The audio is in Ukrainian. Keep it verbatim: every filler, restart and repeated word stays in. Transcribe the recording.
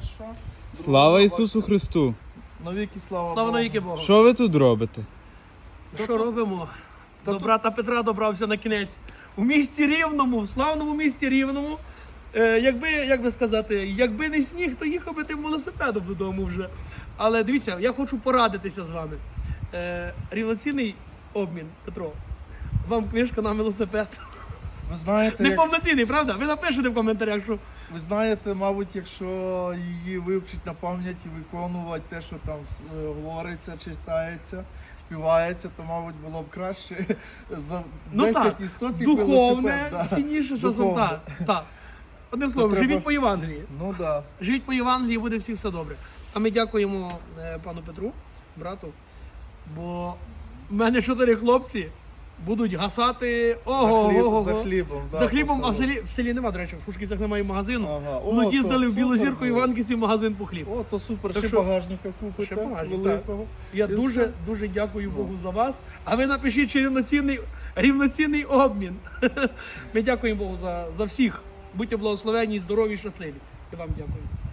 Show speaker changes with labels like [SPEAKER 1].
[SPEAKER 1] Хорошо.
[SPEAKER 2] Слава Ісусу Христу!
[SPEAKER 1] Навіки слава
[SPEAKER 3] Слава
[SPEAKER 1] Богу.
[SPEAKER 3] навіки Богу.
[SPEAKER 2] Що ви тут робите?
[SPEAKER 3] Що робимо?
[SPEAKER 1] Та
[SPEAKER 3] До
[SPEAKER 1] тут-
[SPEAKER 3] брата Петра добрався на кінець. У місті Рівному, в славному місті Рівному. Е, якби, як би сказати, якби не сніг, то їхав би тим велосипедом додому вже. Але дивіться, я хочу порадитися з вами. Е, рівноцінний обмін, Петро. Вам книжка на велосипед.
[SPEAKER 1] Ви знаєте, як...
[SPEAKER 3] Неповноцінний, правда? Ви напишете в коментарях, що
[SPEAKER 1] Ви знаєте, мабуть, якщо її вивчить на пам'ять і виконувати те, що там е, говориться, читається, співається, то, мабуть, було б краще за
[SPEAKER 3] ну
[SPEAKER 1] десять
[SPEAKER 3] так,
[SPEAKER 1] і сто цих
[SPEAKER 3] духовне,
[SPEAKER 1] велосипед, да.
[SPEAKER 3] цінніше часом.
[SPEAKER 1] Духовне.
[SPEAKER 3] Так, так. Одним словом,
[SPEAKER 1] треба-
[SPEAKER 3] живіть по Євангелії.
[SPEAKER 1] Ну так.
[SPEAKER 3] Живіть по Євангелії, буде всіх все добре. А ми дякуємо е, пану Петру, брату, бо в мене чотири хлопці будуть гасати ого,
[SPEAKER 1] За, хліб,
[SPEAKER 3] ого,
[SPEAKER 1] за хлібом. Да,
[SPEAKER 3] за хлібом,
[SPEAKER 1] по
[SPEAKER 3] а в
[SPEAKER 1] селу.
[SPEAKER 3] селі, в селі нема, до речі, в Шушківцях немає магазину.
[SPEAKER 1] Ага. О,
[SPEAKER 3] Будуть
[SPEAKER 1] то
[SPEAKER 3] їздили в Білу
[SPEAKER 1] супер
[SPEAKER 3] Зірку
[SPEAKER 1] було.
[SPEAKER 3] Іванківці в магазин по хліб.
[SPEAKER 1] О, то супер,
[SPEAKER 3] Так
[SPEAKER 1] ще
[SPEAKER 3] що-
[SPEAKER 1] багажника купите,
[SPEAKER 3] Ще багажник,
[SPEAKER 1] великого.
[SPEAKER 3] Я
[SPEAKER 1] І
[SPEAKER 3] дуже,
[SPEAKER 1] все.
[SPEAKER 3] дуже дякую Богу за вас. А ви напишіть, чи рівноцінний, рівноцінний обмін. Ми дякуємо Богу за, за всіх. Будьте благословені, здорові і щасливі. І вам дякую.